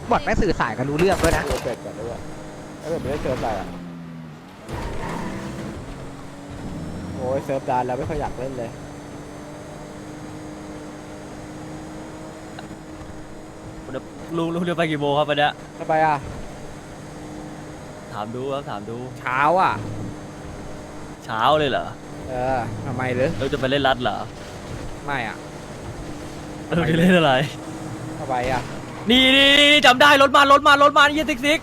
บอทแม่งสื่อสารกันรู้เรื่องด้วยนะเจอเป็ดก่อนด้วยถ้าเกิดไม่ได้เจอใส่อะโอ้ยเซิร์ฟดานแล้วไม่ค่อยอยากเล่นเลยลุงเดินไปกี่โมงครับวันเนี้ยทำไมอ่ะถามดูครับถามดูเช้าอ่ะเช้าเลยเหรอทำไมหรือเราจะไปเล่นรัดเหรอไม่อ่ะเราจะเล่นอะไรทำไมอ่ะนี่จำได้รถมานี่ซิก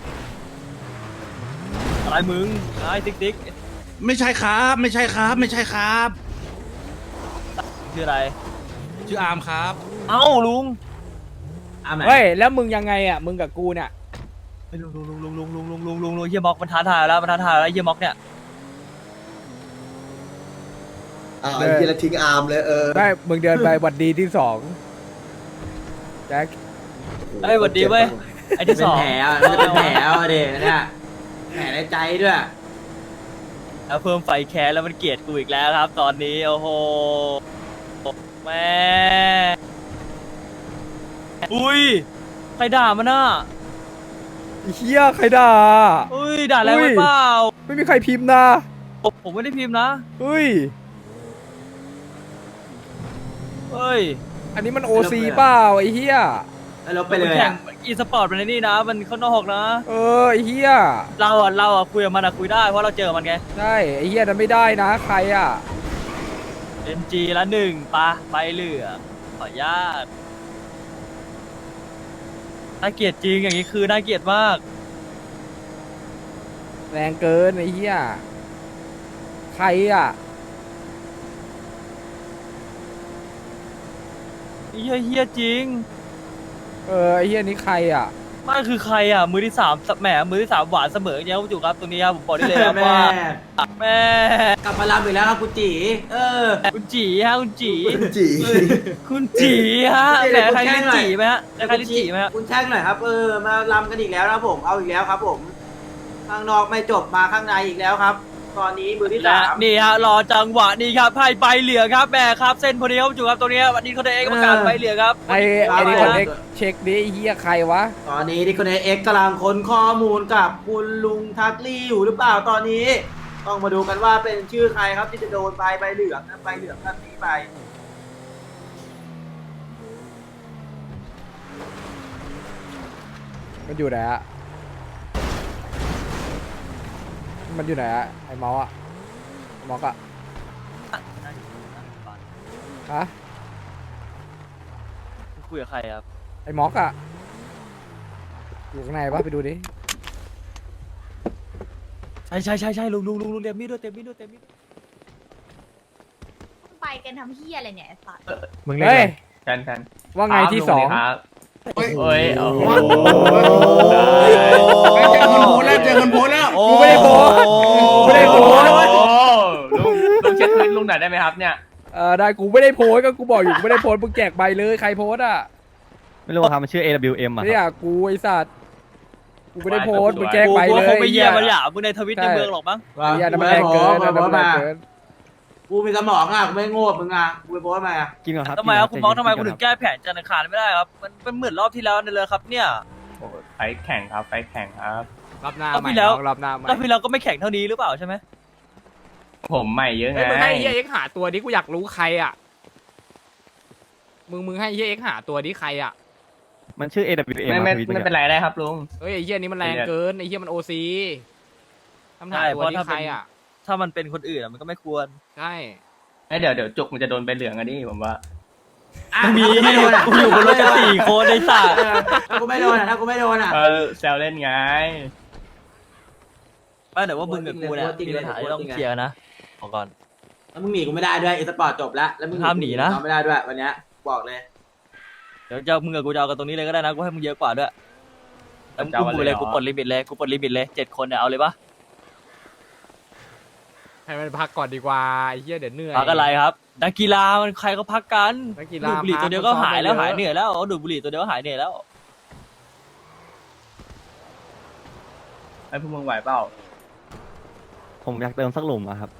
อะไรมึงไอ้ซิกไม่ใช่ครับไม่ใช่ครับไม่ใช่ครับชื่ออะไรชื่ออาร์มครับเอ้าลุงเฮ้ยแล้วมึงยังไงอ่ะมึงกับกูเนี่ยลุงเฮียม็อกมันท้าทายแล้วเฮียม็อกเนี่ยไอ้เหี้ยแล้วทิ้งอาร์มเลยได้มึงเดินไปหวัดดีที่สองแจ็คเอ้ยสวัสดีเว้ยไอ้ที่สองเป็นแผลอ่ะมันจะเป็นแผลอ่ะเด็กเนี่ยแผลในใจด้วยแล้วเพิ่มไฟแคสแล้วมันเกลียดกูอีกแล้วครับ ตอนนี้โอ้โหแม่อุ้ยใครด่ามันน่ะไอ้เฮียใครด่าอุ้ยด่าแรงไปเปล่าไม่มีใครพิมพ์นะผมไม่ได้พิมพ์นะเฮ้ยเฮ้ยอันนี้มันโอซีเปล่าไอ้เฮียแล้วลบไปเลยแข่อ่ะงอีสปอร์ตมันในนี่นะ มันข้างนอกนะไอ้เฮียเราอะคุยกับมันอะคุยได้เพราะเราเจอมันไงใช่ไอ้เฮียนั้นไม่ได้นะใครอ่ะ NG ละหนึ่งปะไปเหลือขออนุญาตน่าเกลียดจริงอย่างนี้คือน่าเกลียดมากแรงเกินไอ้เฮียใครอ่ะเฮียจริงไอ้เฮียนี้ใครอ่ะไม่คือใครอ่ะมือที่สามแหมมือที่สามหวานเสมออย่างเงี้ยคุณจุกครับตรงนี้ครับผมบอกได้เลยครับแม่ว่าแม่กลับมาลำอีกแล้วครับคุณจีคุณจีฮะคุณจีจีคุณจีฮะแหมใครเรียกจีไหมฮะใครเรียกจีไหมฮะคุณแช่งหน่อยครับมาลำกันอีกแล้วนะครับผมเอาอีกแล้วครับผมข้างนอกไม่จบมาข้างในอีกแล้วครับ ตอนนี้มือที่และสามนี่ฮะรอจังหวะนี้ครับให้ใบเหลืองครับแหม่ครับเส้นพอดีครับคุณจุกครับตรงนี้วันนี้เขาได้เองประกาศใบเหลืองครับไอ้นี่คนเด็กเช็คดิไอ้เฮียใครวะตอนนี้ที่คนเอ็กกำลังค้นข้อมูลกับคุณลุงทักลี่อยู่หรือเปล่าตอนนี้ ต้องมาดูกันว่าเป็นชื่อใครครับที่จะโดนใบเหลืองนะใบเหลืองท่านนี้ไปมันอยู่ไหนอะมันอยู่ไหนอะไอ้เมาส์อะเมาส์อะฮะคุยกับใครครับไอ้ม็อกอะอยู่ข้างในปะไปดูดิใช่ลุงเต็มมีดด้วยเต็มมีดด้วยไปกันทำเฮียอะไรเนี่ยไอ้สัตว์มึงเล่นเฮ้ยอะไรกันว่าไงที่สองเอ้ยโอ้โหเจอคนโพสแล้วเจอคนโพสแล้วกูไม่ได้โพสต์กูไม่ได้โพสต์ลุงเช็ดพื้นลุงหน่อยได้ไหมครับเนี่ยได้กูไม่ได้โพสต์ก็กูบอกอยู่กูไม่ได้โพสต์มึงแจกใบเลยใครโพสต์อะไม่รู้ครับมันชื่อ AWM อ่ะเนี่ยกูไอ้สัตว์กูไม่ได้โพสต์มึงแจกกูใบว่าเลยคงไม่เยี่ยมันหยามึงในทวิตในเมืองหรอกมั้งไอ้เหี้ยนั่นมันแรงเกินนั่นมันแรงเกินกูมีสมองอ่ะกูไม่โง่มึงอ่ะกูไปโพสต์มาอ่ะกินก่อนครับทำไมครับคุณมองทำไมคุณกิถึนงก่อนรับแก้แผนจันทร์อังคารไม่ได้ครับมันเป็นเหมือนรอบที่แล้วนั่นเลยครับเนี่ยไฟแข่งครับไฟแข่งครับรับหน้ารอบใหม่ที่แล้วรับหน้าใหม่รอบที่แล้วก็ไม่แข่งเท่านี้หรือเปล่าใช่ไหมผมใหม่เยอะไงเฮ้ยมึงให้เฮียเอ็กหาตัวนี้กูอยากรู้ใครอะมึงให้เฮียเอ็กหาตัวนี้ใครอะมันชื่อ AWM ไม่อะทวิตไม่เมื่อเป็นกี้ไรได้ครับลุงเฮ้ยไอ้เฮียนี้มันแรงเกินไอ้เฮียมันโอซีทำหาตัวนี้ใครอะถ้ามันเป็นคนอื่นมันก็ไม่ควรใช่เดี๋ยวจุกมันจะโดนใบเหลืองอันนี้ผมว่ามีไม่โดนอ่ะกูอยู่บนรถกัน4 คนในสัตว์ถ้ากูไม่โดนอ่ะถ้ากูไม่โดนอ่ะแซวเล่นไงไม่แต่ว่ามึงกับกูเนี่ยมีปัญหาที่ต้องเคลียร์นะขอก่อนแล้วมึงหนีกูไม่ได้ด้วยอีสปอร์ตจบแล้วแล้วมึงห้ามหนีนะกูไม่ได้ด้วยวันเนี้ยบอกเลยเดี๋ยวจะมึงกับกูจะเอากันตรงนี้เลยก็ได้นะกูให้มึงเยอะกว่าด้วยแล้วมึงกูเลยกูปลดลิมิตเลย7 คนเนี่ยเอาเลยปะให้มันพักก่อนดีกว่าไอ้เฮียเดี๋ยวเหนื่อยพักอะไรครับนักกีฬามันใครก็พักกันนักกีดูฬาดบุหรี่ตัวเดียวก็หายแล้วหายเหนื่อยแล้วดูดบุหรี่ตัวเดียวก็หายเหนื่อยแล้วไอ้พวกมึงไหวเปล่าผมอยากเติมสักหลุมอะครับ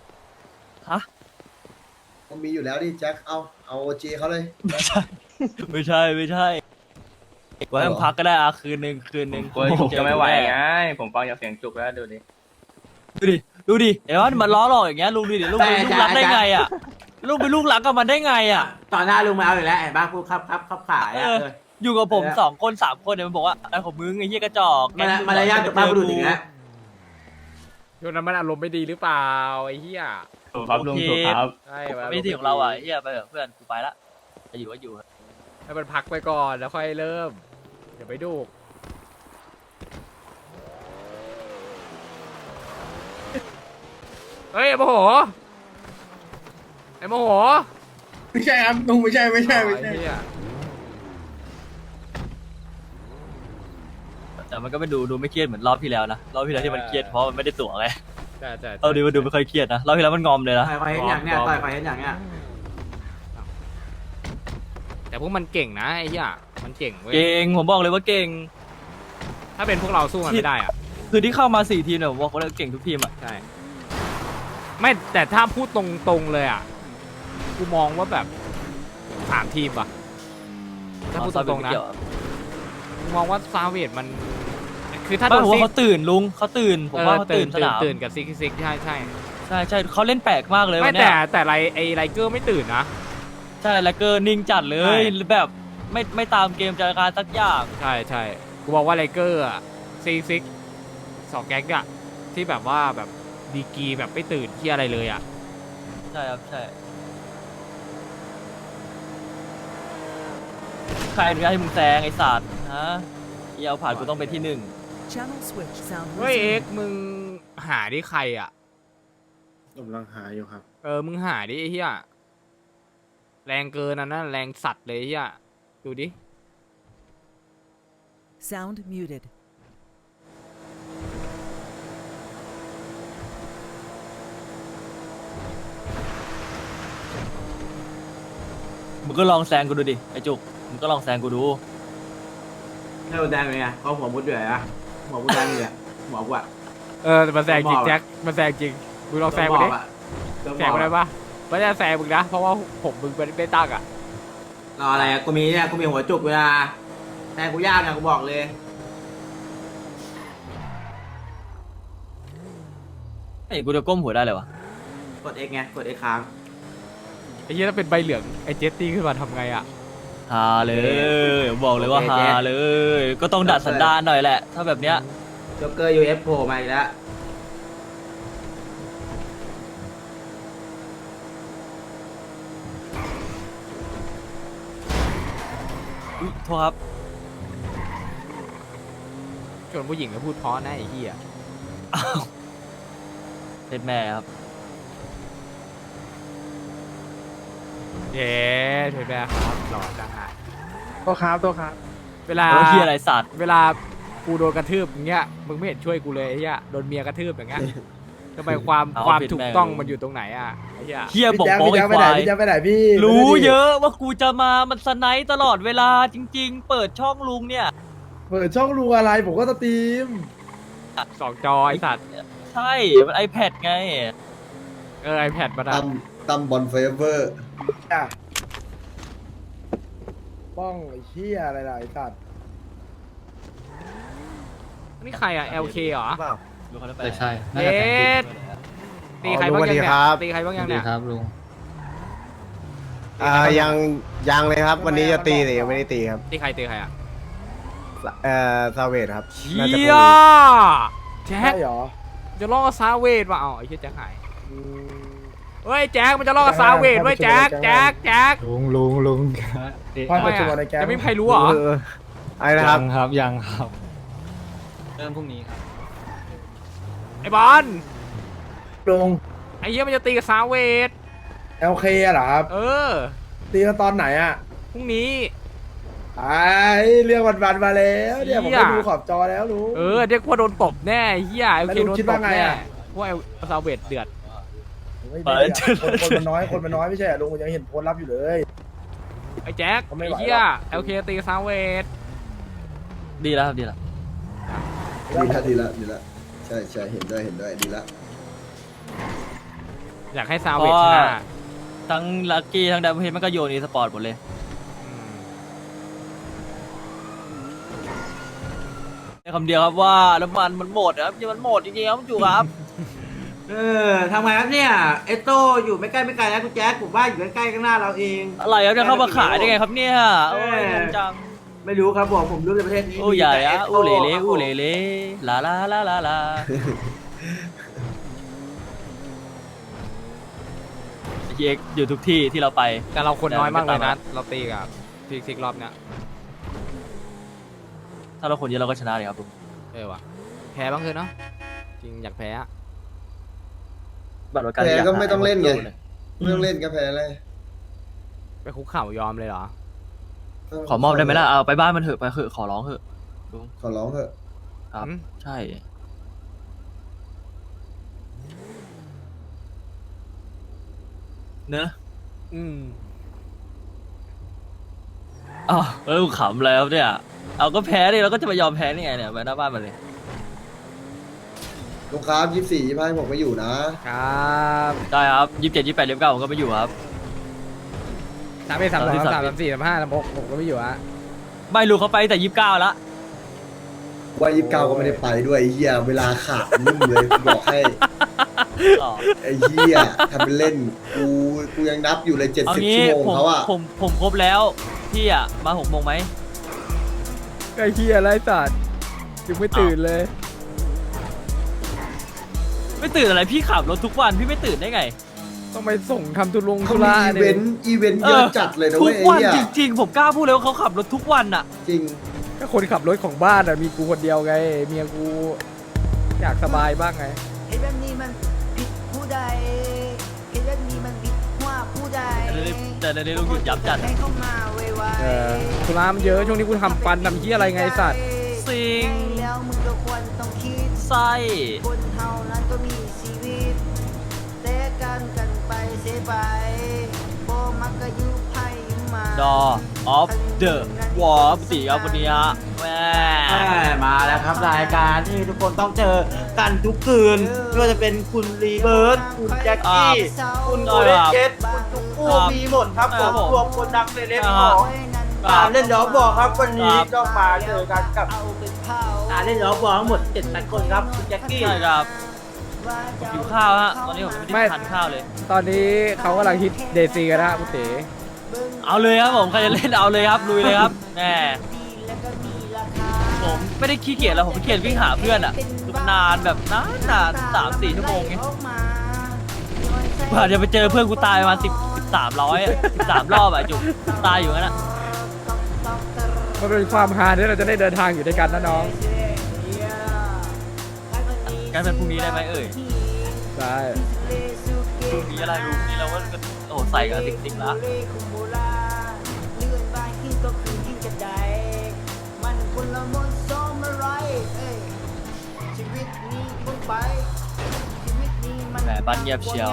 มันมีอยู่แล้วดิแจ็คเอาโอจีเขาเลยไม่ใช่ไว้ให้มึงพักก็ได้คืนหนึ่งกลัวจุกจะไม่ไหวไงผมฟังจากเสียงจุกแล้วดูดิดูดิเดี๋ยวมันล้อหลอกอย่างเงี้ยลุงดูดิลุงเป็นลูกรักได้ไงอ่ะลุงเป็นลูกรักกับมันได้ไงอ่ะตอนหน้าลุงมาเอาอีกแล้วเห็นป่ะพูดครับขายอ่ะอยู่กับผม2 คน 3 คนเนี่ยมันบอกว่าอะไรของมึงไอ้เหี้ยกระจอกมารยาทกับป้าบุรุษอีกแล้วช่วงนั้นมันอารมณ์ไม่ดีหรือเปล่าไอ้เหี้ยถูกครับลุงถูกครับใช่ไม่ที่ของเราอ่ะเหี้ยไปเถอะเพื่อนกูไปละจะอยู่ก็อยู่ให้มันพักไปก่อนแล้วค่อยเริ่มอย่าไปดูเฮ้ยไอ้โมโหไอ้โมโหไม่ใช่ครับลุงไม่ใช่ไอ้เหี้ยแต่มันก็ไม่ดูไม่เครียดเหมือนรอบที่แล้วนะรอบที่แล้วที่มันเครียดเพราะมันไม่ได้ตั๋วไงใช่เอาดีมันดูไม่ค่อยเครียดนะรอบที่แล้วมันงอมเลยนะต่อยเห็นอย่างเนี้ยต่อยเห็นอย่างเนี้ยแต่พวกมันเก่งนะไอ้เหี้ยมันเก่งเว้ยเก่งผมบอกเลยว่าเก่งถ้าเป็นพวกเราสู้มันไม่ได้อ่ะคือที่เข้ามา4 ทีมเนี่ยผมบอกว่าเก่งทุกทีมอ่ะใช่ไม่แต่ถ้าพูดตรงๆเลยอ่ะกูมองว่าแบบ3 ทีมว่ะถ้าพูดตรงๆนะกูมองว่าซาเวดมันคือถ้าไม่โดนผมซิว่าก เขาตื่นลุงเขาตื่นผมว่าเขาตื่นสนามตื่นกับซิกใช่ใช่เขาเล่นแปลกมากเลยไม่วันเนี้ยแต่ไลเกอร์ไม่ตื่นนะใช่แล้วก็นิ่งจัดเลใช่ยแบบไม่ตามเกมจัดการสักอย่างใช่กูบอกว่าไลเกอร์อ่ะซิก2 แก๊งอ่ะที่แบบว่าแบบดีกรีแบบไม่ตื่นที่อะไรเลยอ่ะใช่ครับใช่ใครอนุญาตให้มึงแซงไอ้สัตว์ฮะเอียวผ่านกูต้องเป็นที่ Channel switch sound เฮ้ย resumed. เอ็กซ์มึงหาดิใครอ่ะกำลังหาอยู่ครับมึงหาดิไอ้เหี้ยแรงเกินนะแรงสัตว์เลยไอ้เหี้ยดูดิ Sound muted. มึงก็ลองแซงกูดูดิไอ้จุกมึงก็ลองแซงกูดูเท่าแดงเป็นไงเขาหัวมุดด้วยอ่ะหัวมุดแดงเลยหัวกูอ่ะแต่มันแซงจริงแจ็คมันแซงจริงมึงลองแซงมาดิแซงมาได้ปะไม่ได้แซงมึงนะเพราะว่าผมมึงไม่ตั้งอ่ะรออะไรกูมีเนี่ยกูมีหัวจุกเวลาแต่กูยากนะกูบอกเลยไอ้กูจะก้มหัวได้เลยวะกด X ไงกด X ค้างไอ้เหี้ยถ้าเป็นใบเหลืองไอ้เจสตี้ขึ้นมาทำไงอ่ะฮาเลยบอกเลยว่าฮาเลย ก็ต้องดัดสันดานหน่อยแหละ ถ้าแบบเนี้ยจ็อกเกอร์ UF โผล่มาอีกแล้วอุ๊ยโทษครับชวนผู้หญิงมาพูดเพราะนะไอ้เหี้ยเป็นแม่ครับเย้เถอะแม่ครับหล่อจังอ่ะตัวครับเวลาแล้วที่อะไรสัตว์เวลากูโดนกระทืบอย่างเงี้ยมึงไม่เห็นช่วยกูเลยไอ้เหี้ยโดนเมียกระทืบอย่างเงี้ยทำไมความถูกต้องมันอยู่ตรงไหนอ่ะไอ้เหี้ยเฮียบอกโป๊กไอ้ควายไปไหนพี่รู้เยอะว่ากูจะมามันสไนป์ตลอดเวลาจริง ๆ เปิดช่องลุงเนี่ยเปิดช่องลุงอะไรผมก็สตรีม 2 จอไอ้สัตว์ใช่มัน iPad ไง iPad มาตั้มบอลเฟเวอร์ป้องไอ้เหี้ยอะไรล่ะไอ้สัตว์นี่ใครอ่ะ LK เหรอดูเขาแล้วไปใช่เอ๊ะตีใครบ้างยังเนี่ยตีใครบ้างยังเนี่ยครับลุงยังเลยครับ วันนี้จะตีแต่ยังไม่ได้ตีครับตีใครอ่ะซาเวทครับเชี่ยแจ็คใช่เหรอจะล่อซาเวดว่ะไอ้เหี้ยแจ็คหายเฮ้ยแจ็คมันจะล่อซาเวดเว้ยแจ็คลุงพ่อทำไมปัจจุบันอ่ะในแก๊งจะไม่มีใครรู้เหรอไอ้นะครับยังครับเริ่มพรุ่งนี้ครับไอ้บอลลุงไอ้เหี้ยมันจะตีกับซาเวด LK อะเหรอครับ ตีกันตอนไหนอะพรุ่งนี้ไอ้เรื่องวันๆมาแล้วเนี่ยผมเหี้ยไปดูขอบจอแล้วลุงเรียกว่าโดนตบแน่ไอ้เหี้ยแล้ว LK ลุงโดนคิดตว่าบไงแน่อะเพราะว่าซาเวดเดือดไม่ดีอะคนมันน้อยไม่ใช่เหรอลุงยังเห็นโพสต์รับอยู่เลยไอ้แจ็คเขาไม่ไอ้ไหวเหี้ยหรอก LK ตีกับซาเวดดีแล้วครับดีแล้วดีละใช่เห็นด้วยดีละอยากให้ซาเวดชนะทั้งลักกี้ทั้งดับเบิลเฮดมันก็โยนอีสปอร์ตหมดเลยอคำเดียวครับว่าน้ำมันมันหมดครับมันหมดจริงๆครับจุกครับทำไงครับเนี่ยเอสโตอยู่ไม่ใกล้ไม่ไกลนะคุณแจ๊คผมว่าอยู่ใกล้ๆข้างหน้าเราเองอะไรครับจะเข้ามาขายได้ไงครับเนี่ยโอ้ยงงจังไม่รู้ครับผมรู้ในประเทศนี้อู้ใหญ่มีแต่อะ Exo อู้เหล่เล่ครับผมอู้เหล่เล่ลาลาลาลาลาเอ็กอยู่ทุกที่ที่เราไปแต่เราคนน้อยมากเลยนะเราตีกับซิกรอบเนี้ยถ้าเราคนเยอะเราก็ชนะเลยครับลุงว่ะแพ้บ้างเถอะเนาะจริงอยากแพ้อะบัตรประกันแพ้อยาก็ไม่ต้องเล่นไงหาไม่ต้องเล่นก็แพ้เลยไปคุกเข่ายอมเลยเหรอขอมอบได้ไหมล่ะเอาไปบ้านมันเถอะไปเถอะขอร้องเถอะลุงขอร้องเถอะครับอืมใช่เนอะ อ้าวแล้วลุงขำแล้วเนี่ยเอาก็แพ้ดิเราก็จะไปยอมแพ้นี่ไงเนี่ยไปหน้าบ้านมันเลยลูกค้า24 25ผมไม่อยู่นะครับได้ครับ27 28 29ผมก็ไม่อยู่ครับ 31 32 33 34 35 36ผมก็ไม่อยู่อะไม่รู้เขาไปแต่29ละว่า29ก็ไม่ได้ไปด้วยไอ้เหี้ยเวลาขาดนุ่มเลยกูบอกให้อ๋อไอ้เหี้ยทำเป็นเล่นกูยังนับอยู่เลยเอา 70 งี้ชั่วโมงผมเขาอะผมครบแล้วพี่อะมา6 โมงไหมไอ้เหี้ยไรสัตว์ยังไม่ตื่นเลยไม่ตื่นอะไรพี่ขับรถทุกวันพี่ไม่ตื่นได้ไงต้องไปส่งทำธุรงเขาธุมีระอีเนี่เวย นต์เยอะจัดเลยนะทุเว้กยไอ้วันเหี้ยจริงๆผมกล้าพูดเลยว่าเขาขับรถทุกวันอะจริงก็คนขับรถของบ้านอะมีกูคนเดียวไงเมียกูอยากสบายบ้างไงเห็นแบบนี้มันผิดผู้ใดเห็นแบบนี้มันผิดว่าผู้ใดแต่ในนี้ลุงหยุดยับจัดให้เข้ามาไวๆธุระมันเยอะช่วงนี้กูทำฟันทำเหี้ยอะไรไงไอ้สัตว์สิงแล้วมึงก็ควรต้องคิดไส้คนเฮานั้นก็มีชีวิตแต่กันไปเสียไปบ่มักก็อยู่ไพ่มาดอออฟเดอะวอร์ปสีครับวันนี้ฮะแม่มาแล้วครับรายการที่ทุกคนต้องเจอกันทุกคืนไม่ว่าจะเป็นคุณรีเบิร์ตคุณแจ็คกี้คุณโอเลนเจสคุณจุกกู้มีหมดครับผมรวมคนดังเซเลบของการเล่นล้อบอกครับวันนี้ต้องมาเจอกันกับการเล่นล้อบอกทั้งหมด7-8 คนครับคุณแจ็คกี้ใช่ครับหิวข้าวฮะตอนนี้ผมไม่ได้ทานข้าวเลยตอนนี้เขากำลังฮิตเดซีกันนะคุณเต๋เอาเลยครับผมใครจะเล่นเอาเลยครับลุยเลยครับแน่ผมไม่ได้ขี้เกียจแล้วผมขี้เกียจวิ่งหาเพื่อนอ่ะคือมันนานแบบนาน3-4 ชั่วโมงไงกว่าจะไปเจอเพื่อนกูตายประมาณ13 รอบอ่ะจุกตายอยู่งั้นอ่ะมันเป็นความฮาที่เราจะได้เดินทางอยู่ด้วยกันนะน้องการเป็นพรุ่งนี้ได้ไหมเอ่ยได้พรุ่งนี้อะไรลุงนี่เราก็โอ้ใส่กันติ๊กๆละ แหมบ้านเงียบเชียว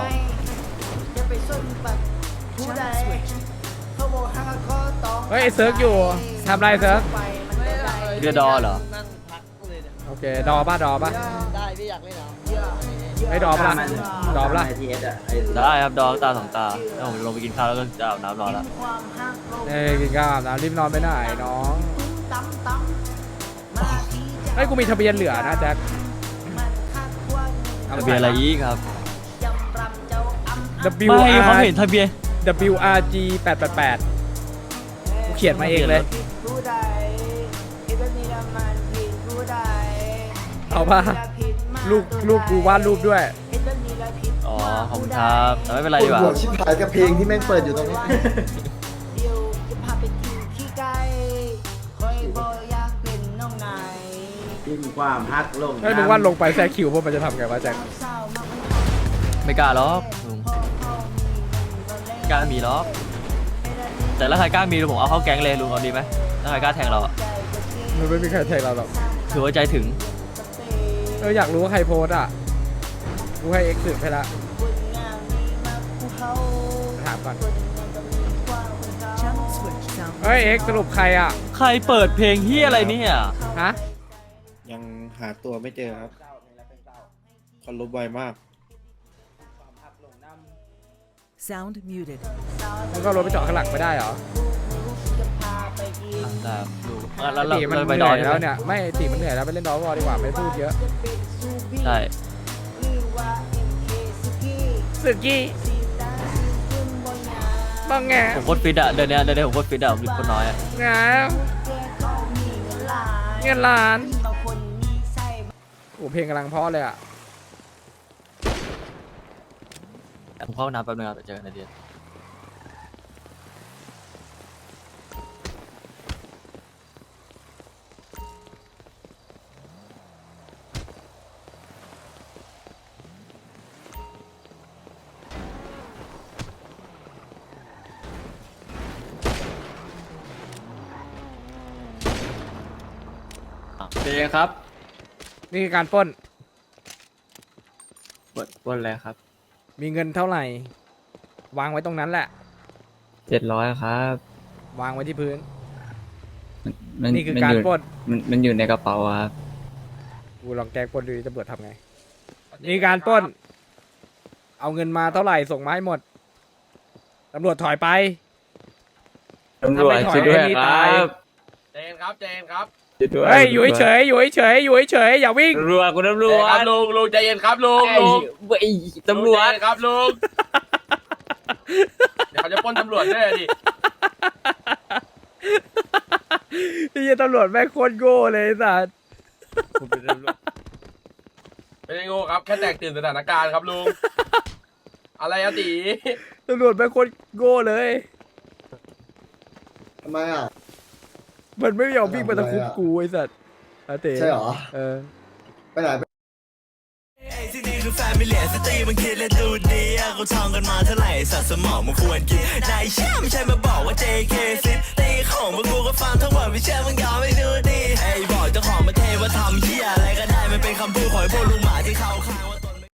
เฮ้ยไอ้เซิร์กอยู่ทำไรเซิร์กเรือดอเหรอโอเคดอป่ะได้พี่อยากเล่นเหรอไอ้ดอป่ะดอป่ะได้ครับดอตา2 ตาแล้วผมลงไปกินข้าวแล้วก็จะอาบน้ำรอแล้วกินข้าวอาบน้ำรีบนอนไปไหนน้องเฮ้ยกูมีทะเบียนเหลือนะแจ็คทะเบียนอะไรอีกครับ W ไม่เขา R เห็นทะเบียน WRG 888กูเขียนมาเองเลย เอาป่ะลูกกูวาดรูปด้วยอ๋อขอบคุณครับแต่ไม่เป็นไรปวดีดกว่าหัวชิบหายกับเพลงที่แม่งเปิดอยู่ตรงนี้ทิ้งความฮักลงเฮ้ยมึงวาดลงไปแซคิวพวกมันจะทำไงวะแจ็คไม่กล้าหรอกลุงไม่กล้ามีหรอกแต่ถ้าใครกล้ามีผมเอาเข้าแก๊งเลยลุงเอาดีไหมถ้าใครกล้าแทงเราอะมันไม่มีใครแทงเราหรอกถือว่าใจถึงอยากรู้ว่าใครโพสอ่ะกูให้ X สืบให้ละถามก่อน Channel switch sound เฮ้ย X สรุปใครอ่ะใครเปิดเพลงเฮียอะไรเนี่ยฮะยังหาตัวไม่เจอครับเขาลบไวมาก sound muted มึงก็รถไปจอดข้างหลังไม่ได้เหรอได้ดูแล้วตีมันเราไปเหดนื่ออยใช่แล้วไหมเนี่ยไม่ตีมันเหนื่อยแล้วไปเล่นดอลบอลดีกว่าไม่พูดเยอะใช่สึกี้บ้างไงผมโคตรฟิตอะเดือนเนี้ยผมโคตรฟิตอะผมคนน้อยอะงามเงินล้านโอ้เพลงกำลังเพราะเลยอ่ะผมเข้าห้องน้ำแป๊บนึงครับเดี๋ยวเจอกันในเดือนเจ๊ครับนี่คือการปล้นบนอะไรครับมีเงินเท่าไหร่ วางไว้ตรงนั้นแหละ 700ครับวางไว้ที่พื้นมันนี่คือการปล้นมันอยู่ในกระเป๋าครับกูลองแกล้งปล้นดูดิตำรวจทำไง นี่การปล้น เอาเงินมาเท่าไหร่ส่งมาให้หมด ตำรวจถอยไปตำรวจถ้าไม่ถอยช่วยด้วยไอ้นี่คตารัยบเจนครับเจนครับช่วยด้วยเฮ้ยอยู่เฉยๆอยู่เฉยๆอยู่เฉยๆอย่าวิ่งตำรวจคุณตำรวจลุงใจเย็นครับลุงตำรวจครับลุงเดี๋ยวเขาจะปล้นตำรวจด้วยดินี่ตำรวจแม่งโคตรโง่เลยไอ้สัสผมเป็นตำรวจไม่ได้โง่ครับแค่แตกตื่นสถานการณ์ครับลุงอะไรอะตีตำรวจแม่งโคตรโง่เลยทำไมอ่ะมันไม่ยอมวิ่งมาตะคุบกูไอ้สัสอาเต้ใช่เหรอเออไปไหนที่นี่คือแฟมิเลียสตรีมันคิดและดูดีอะเขาท่องกันมาเท่าไหร่สัตว์สมองมันควรกินนายเชื่อไม่ใช่มาบอกว่า JK ซิตีของพวกกูก็ฟังทั้งหมดไม่เชื่อมึงยอมไม่ดูดีไอ้บอกเจ้าของประเทศว่าทำเหี้ยอะไรก็ได้มันเป็นคำพูดของไอ้พวกลุงหมาที่เขาข้างว่า